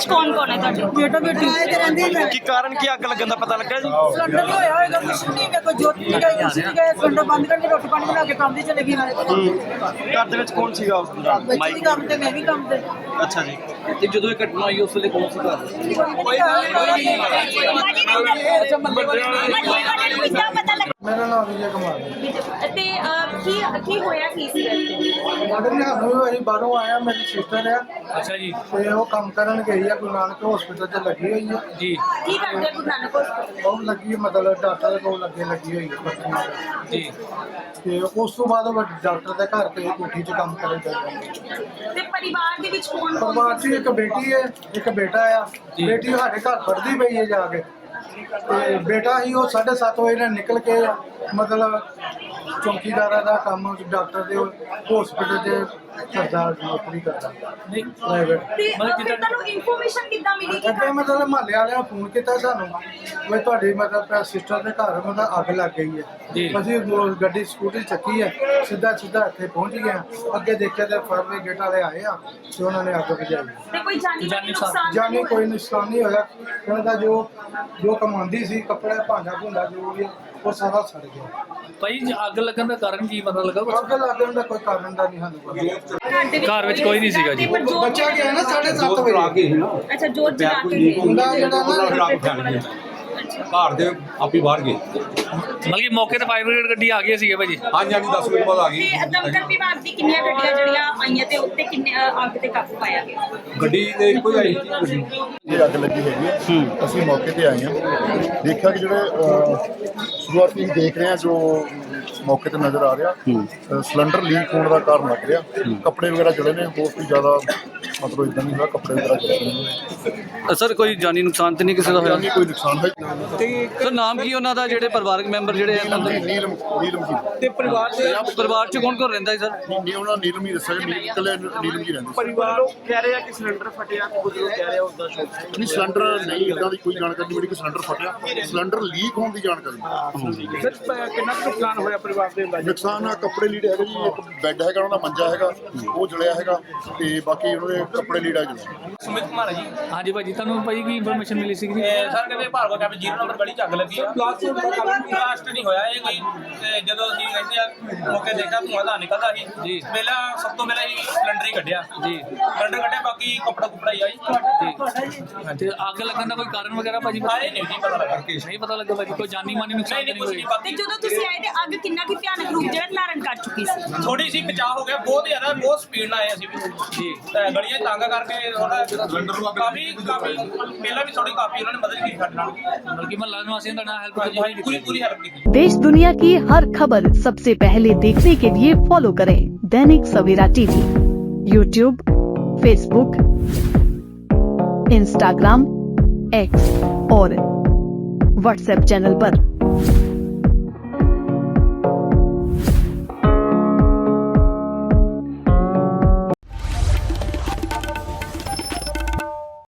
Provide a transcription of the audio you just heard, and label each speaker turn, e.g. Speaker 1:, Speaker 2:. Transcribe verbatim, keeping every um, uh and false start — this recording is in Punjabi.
Speaker 1: ਕੌਣ ਕੌਣ ਹੈ ਤੁਹਾਡੇ?
Speaker 2: ਬੇਟਾ ਬੇਟੀ
Speaker 3: ਕੀ ਕਾਰਨ ਕੀ ਅੱਗ ਲੱਗਣ ਦਾ ਪਤਾ ਲੱਗਾ ਜੀ?
Speaker 2: ਸਿਲੰਡਰ ਨਹੀਂ ਹੋਇਆ ਹੋਏਗਾ, ਕੁਛ ਨਹੀਂ ਮੇਰੇ ਕੋਲ ਜੋਤ ਨਹੀਂ ਗਈ, ਕੁਛ ਨਹੀਂ ਗਏ, ਸਿਲੰਡਰ ਬੰਦ ਕਰਕੇ ਰੋਟੀ ਪਾਣੀ ਬਣਾ ਕੇ ਕੰਮ ਦੀ ਚਲੇ ਗਈ ਨਾਲੇ
Speaker 3: ਘਰ ਦੇ ਵਿੱਚ ਕੌਣ ਸੀਗਾ ਉਸ ਦੌਰਾਨ?
Speaker 2: ਬੱਚੇ ਵੀ ਕੰਮ ਤੇ ਮੈਂ ਵੀ ਕੰਮ ਤੇ।
Speaker 3: ਅੱਛਾ ਜੀ।
Speaker 4: ਤੇ ਜਦੋਂ ਇਹ ਘਟਨਾ ਹੋਈ ਉਸ ਵੇਲੇ ਕੌਣ ਸੀ ਘਰ?
Speaker 5: ਮੇਰਾ ਨਾਮ ਵਿਜੇ ਕੁਮਾਰ ਹੈ।
Speaker 1: ਤੇ ਅਹ, ਕੀ ਕੀ ਹੋਇਆ ਕੀ ਸੀ ਇੱਥੇ?
Speaker 5: ਮਦਰ ਨੇ ਸਾਨੂੰ ਅਸੀਂ ਬਾਹਰੋਂ ਆਇਆ, ਮੇਰੀ ਸਿਸਟਰ ਹੈ
Speaker 4: ਅੱਛਾ ਜੀ
Speaker 5: ਤੇ ਉਹ ਕੰਮ ਕਰਨ ਗਈ ਆ ਗੁਰੂ ਨਾਨਕ ਹਸਪੀਟਲ 'ਚ ਲੱਗੀ ਹੋਈ ਹੈ।
Speaker 4: ਜੀ
Speaker 1: ਕੀ ਕਰਦੇ ਆ ਗੁਰੂ ਨਾਨਕ ਹਸਪਤਾਲ?
Speaker 5: ਉਹ ਲੱਗੀ ਮਤਲਬ ਡਾਕਟਰ ਦੇ ਕੋਲ ਲੱਗੇ ਲੱਗੀ ਹੋਈ ਹੈ ਬੱਚੀ ਨਾਲ।
Speaker 4: ਜੀ
Speaker 5: ਤੇ ਉਸ ਤੋਂ ਬਾਅਦ ਉਹ ਡਾਕਟਰ ਦੇ ਘਰ ਤੇ ਕੋਠੀ 'ਚ ਕੰਮ ਕਰੇ ਜਾਂਦੇ।
Speaker 1: ਤੇ ਪਰਿਵਾਰ ਦੇ ਵਿੱਚ ਕੌਣ ਕੌਣ?
Speaker 5: ਪਰਿਵਾਰ 'ਚ ਇੱਕ ਬੇਟੀ ਹੈ ਇੱਕ ਬੇਟਾ ਆ। ਬੇਟੀ ਸਾਡੇ ਘਰ ਪੜ੍ਹਦੀ ਪਈ ਹੈ ਜਾ ਕੇ, ਤੇ ਬੇਟਾ ਹੀ ਉਹ ਸਾਢੇ ਸੱਤ ਵਜੇ ਨਾਲ ਨਿਕਲ ਕੇ ਮਤਲਬ ਚੌਕੀਦਾਰਾਂ ਦਾ ਕੰਮ ਡਾਕਟਰ ਦੇ ਹਸਪੀਟਲ 'ਚ ਕਰਦਾ, ਨੌਕਰੀ ਕਰਦਾ
Speaker 4: ਨਹੀਂ
Speaker 5: ਪ੍ਰਾਈਵੇਟ।
Speaker 1: ਤੇ ਅਹ, ਫਿਰ ਤੁਹਾਨੂੰ ਇਨਫੋਰਮੇਸ਼ਨ ਕਿੱਦਾਂ ਮਿਲੀ ਕਿ
Speaker 5: ਅੱਗੇ ਮਤਲਬ ਮਹੱਲੇ ਵਾਲਿਆਂ ਨੇ ਫੋਨ ਕੀਤਾ ਸਾਨੂੰ ਵੀ ਤੁਹਾਡੀ ਮਤਲਬ ਸਿਸਟਰ ਦੇ ਘਰ ਮਤਲਬ ਅੱਗ ਲੱਗ ਗਈ ਹੈ। ਅਸੀਂ ਉਹ ਗੱਡੀ ਸਕੂਟਰੀ ਚੱਕੀ ਹੈ, ਸਿੱਧਾ ਸਿੱਧਾ ਇੱਥੇ ਪਹੁੰਚ ਗਏ ਹਾਂ। ਅੱਗੇ ਦੇਖਿਆ ਤੇ ਫਾਇਰ ਬ੍ਰਿਗੇਡ ਵਾਲੇ ਆਏ ਆ ਤੇ ਉਹਨਾਂ ਨੇ ਅੱਗ ਬੁਝਾਈ।
Speaker 1: ਤੇ ਕੋਈ ਜਾਨੀ ਮਾਲੀ ਨੁਕਸਾਨ ਤਾਂ
Speaker 5: ਜਾਨੀ
Speaker 1: ਨਹੀਂ
Speaker 5: ਕੋਈ
Speaker 1: ਹੋਇਆ?
Speaker 5: ਨੁਕਸਾਨ ਨਹੀਂ ਹੋਇਆ। ਉਹਨਾਂ ਦਾ ਜੋ ਜੋ ਕਮਾਉਂਦੀ ਸੀ ਕੱਪੜੇ ਭਾਂਡਾ ਭੁੰਡਾ ਜੋ ਵੀ ਉਹ ਸਾਰਾ ਸੜ ਗਿਆ।
Speaker 4: ਭਾਈ ਜੀ, ਅੱਗ ਲੱਗਣ ਦਾ ਕਾਰਨ ਕੀ ਪਤਾ ਲੱਗਾ ਕੁਛ?
Speaker 5: ਅੱਗ ਲੱਗਣ ਦਾ ਕੋਈ ਕਾਰਨ ਦਾ ਨਹੀਂ ਸਾਨੂੰ ਪਤਾ।
Speaker 4: ਘਰ ਵਿੱਚ ਕੋਈ ਨਹੀਂ ਸੀਗਾ ਜੀ।
Speaker 1: ਪਰ ਜੋਤ-
Speaker 5: ਬੱਚਾ ਗਿਆ ਨਾ ਸਾਢੇ ਸੱਤ ਵਜੇ।
Speaker 1: ਅੱਛਾ ਜੋਤ ਜਲਾ ਕੇ ਗਏ।
Speaker 5: ਮੁੰਡਾ ਜਿਹੜਾ ਨਾ
Speaker 6: ਘਰ ਦੇ ਆਪੀ ਬਾਹਰ ਗਏ।
Speaker 4: ਮਤਲਬ ਕਿ ਮੌਕੇ ਤੇ ਫਾਇਰ ਬ੍ਰਿਗੇਡ ਗੱਡੀ ਆ ਗਈ ਸੀਗੇ ਭਾਜੀ।
Speaker 6: ਹਾਂਜੀ ਹਾਂਜੀ ਦਸ ਮਿੰਟ ਬਾਅਦ ਆ ਗਈ
Speaker 1: ਤੇ ਦਮਕਲ ਵਿਭਾਗ ਦੀ ਕਿੰਨੀਆਂ ਗੱਡੀਆਂ ਜਿਹੜੀਆਂ ਆਈਆਂ ਤੇ ਉੱਤੇ ਕਿੰਨੇ ਅਹ, ਅੱਗ ਤੇ ਕਾਬੂ ਪਾਇਆ ਗਿਆ?
Speaker 6: ਗੱਡੀ ਦੇ ਇੱਕੋ ਹੀ ਆਈ ਸੀ ਗੱਡੀ।
Speaker 7: ਇਹ ਅੱਗ ਲੱਗੀ ਹੈਗੀ ਹੈ। ਅਸੀਂ ਮੌਕੇ ਤੇ ਆਏ ਹਾਂ, ਦੇਖਿਆ ਕਿ ਜਿਹੜੇ ਅਹ, ਸ਼ੁਰੂਆਤੀ ਦੇਖ ਰਹੇ ਹਾਂ ਜੋ ਮੌਕੇ ਤੇ ਨਜ਼ਰ ਆ ਰਿਹਾ ਅਹ, ਸਿਲੰਡਰ ਲੀਕ ਹੋਣ ਦਾ ਕਾਰਨ ਲੱਗ ਰਿਹਾ। ਕੱਪੜੇ ਵਗੈਰਾ ਜਲੇ ਨੇ, ਹੋਰ ਕੋਈ ਜ਼ਿਆਦਾ ਮਤਲਬ ਇਦਾਂ ਨਹੀਂ ਹੋਇਆ, ਕੱਪੜੇ ਵਗੈਰਾ ਜਲੇ ਨੇ।
Speaker 4: ਸਰ ਕੋਈ ਜਾਨੀ ਨੁਕਸਾਨ ਤੇ ਨਹੀਂ ਕਿਸੇ ਦਾ
Speaker 7: ਜਾਨੀ ਕੋਈ ਨੁਕਸਾਨ ਹੈ
Speaker 4: ਸਰ ਨਾਮ ਕੀ ਉਹਨਾਂ ਦਾ ਜਿਹੜੇ ਪਰਿਵਾਰਕ ਮੈਂਬਰ ਜਿਹੜੇ
Speaker 7: ਨੀਲਮ ਨੀਲਮ ਨੀਲਮ ਜੀ
Speaker 4: ਤੇ ਪਰਿਵਾਰ ਦੇ ਪਰਿਵਾਰ ਚ ਕੌਣ ਕੌਣ ਰਹਿੰਦਾ ਹੈ ਸਰ?
Speaker 7: ਨਹੀਂ ਉਹਨਾਂ ਨੀਲਮ ਹੀ ਦੱਸਿਆ ਨੀਲਮ ਇਕੱਲੇ ਨੀਲਮ ਜੀ ਰਹਿੰਦੇ ਸੀ।
Speaker 3: ਪਰਿਵਾਰ ਕਹਿ ਰਹੇ ਆ ਕਿ ਸਿਲੰਡਰ ਫਟਿਆ, ਕੁਝ ਲੋਕ ਕਹਿ ਰਹੇ ਆ ਉਸਦਾ ਸ਼ੌਕ।
Speaker 7: ਨਹੀਂ ਸਿਲੰਡਰ ਨਹੀਂ, ਇਦਾਂ ਦੀ ਕੋਈ ਜਾਣਕਾਰੀ ਨਹੀਂ ਮਿਲੀ ਕਿ ਸਿਲੰਡਰ ਫਟਿਆ। ਸਿਲੰਡਰ ਲੀਕ ਹੋਣ ਦੀ ਜਾਣਕਾਰੀ।
Speaker 3: ਸਰ ਕਿੰਨਾ ਕੁ ਨੁਕਸਾਨ ਹੋਇਆ ਪਰਿਵਾਰ ਦੇ ਅੰਦਾਜ਼ੇ?
Speaker 7: ਨੁਕਸਾਨ ਆ ਕੱਪੜੇ ਲੀੜੇ ਹੈਗੇ ਜੀ, ਇੱਕ ਬੈੱਡ ਹੈਗਾ ਉਹਨਾਂ ਦਾ, ਮੰਜਾ ਹੈਗਾ ਉਹ ਜਲਿਆ ਹੈਗਾ, ਤੇ ਬਾਕੀ ਉਹਨਾਂ ਦੇ ਕੱਪੜੇ ਲੀੜਾ ਜਲਿਆ।
Speaker 8: ਸੁਮਿਤ ਕੁਮਾਰ ਹੈ ਜੀ।
Speaker 4: ਹਾਂਜੀ ਭਾਜੀ, ਤੁਹਾਨੂੰ ਭਾਜੀ ਕੀ ਇਨਫੋਰਮੇਸ਼ਨ ਮਿਲੀ ਸੀ ਜੀ?
Speaker 8: ਤੇ ਸਰ ਕਹਿੰਦੇ ਭਾਰਗਵ ਕੈਂਪ ਜ਼ੀਰੋ ਨੰਬਰ ਗਲੀ ਚ ਅੱਗ ਲੱਗੀ ਆ। ਬਲਾਸਟ ਨਹੀਂ ਹੋਇਆ ਇਹ ਕੋਈ। ਤੇ ਜਦੋਂ ਅਸੀਂ ਕਹਿੰਦੇ ਆ ਮੌਕੇ ਦੇਖਿਆ ਧੂੰਆਂ ਦਾ ਨਿਕਲਦਾ ਸੀ ਜੀ। ਪਹਿਲਾਂ ਸਭ ਤੋਂ ਪਹਿਲਾਂ ਹੀ ਸਿਲੰਡਰ ਹੀ ਕੱਢਿਆ ਜੀ। ਸਿਲੰਡਰ ਕੱਢਿਆ, ਬਾਕੀ ਕੱਪੜਾ ਕੁਪੜਾ ਹੀ ਆ ਜੀ।
Speaker 4: ਤੇ ਅੱਗ ਲੱਗਣ ਦਾ ਕੋਈ ਕਾਰਨ ਵਗੈਰਾ ਭਾਜੀ
Speaker 8: ਆਏ ਨਹੀਂ ਜੀ ਪਤਾ ਲੱਗਾ।
Speaker 4: ਨਹੀਂ ਪਤਾ ਲੱਗਾ ਭਾਜੀ, ਕੋਈ ਜਾਨੀ ਮਾਨੀ ਨੁਕਸਾਨ
Speaker 8: ਨਹੀਂ
Speaker 4: ਤਾਂ
Speaker 8: ਨਹੀਂ ਕੁਝ
Speaker 4: ਨਹੀਂ
Speaker 8: ਨਹੀਂ
Speaker 4: ਹੋਇਆ?
Speaker 8: ਬਾਕੀ
Speaker 1: ਤੇ ਜਦੋਂ ਤੁਸੀਂ ਆਏ ਤੇ ਅੱਗ ਕਿੰਨਾ ਕੀ ਭਿਆਨਕ ਰੂਪ ਜਿਹੜਾ ਧਾਰਨ ਕਰ ਚੁੱਕੀ ਸੀ?
Speaker 8: ਥੋੜੀ ਸੀ ਬਚਾਅ ਹੋ ਗਿਆ, ਬਹੁਤ ਜ਼ਿਆਦਾ ਬਹੁਤ ਸਪੀਡ ਨਾਲ ਆਏ ਅਸੀਂ ਵੀ ਜੀ। ਤੇ ਗਲੀਆਂ ਤੰਗ ਕਰਕੇ ਥੋੜਾ ਸਿਲੰਡਰ ਨੂੰ ਕਾਫੀ ਕਾਫੀ ਪਹਿਲਾਂ ਵੀ ਥੋੜੀ ਕਾਫੀ ਉਹਨਾਂ ਨੇ ਮਦਦ ਕੀਤੀ ਸਾਡੇ ਨਾਲ।
Speaker 4: ਬਲਕਿ ਮਹੱਲਾ ਨਿਵਾਸੀਆਂ ਦਾ ਨਾਲ ਹੈਲਪ
Speaker 8: ਹਾਂਜੀ ਪੂਰੀ ਪੂਰੀ ਹੈਲਪ ਕੀਤੀ।
Speaker 9: देश दुनिया की हर खबर सबसे पहले देखने के लिए फॉलो करें Dainik Savera TV, YouTube, Facebook, Instagram, X और व्हाट्सएप चैनल पर।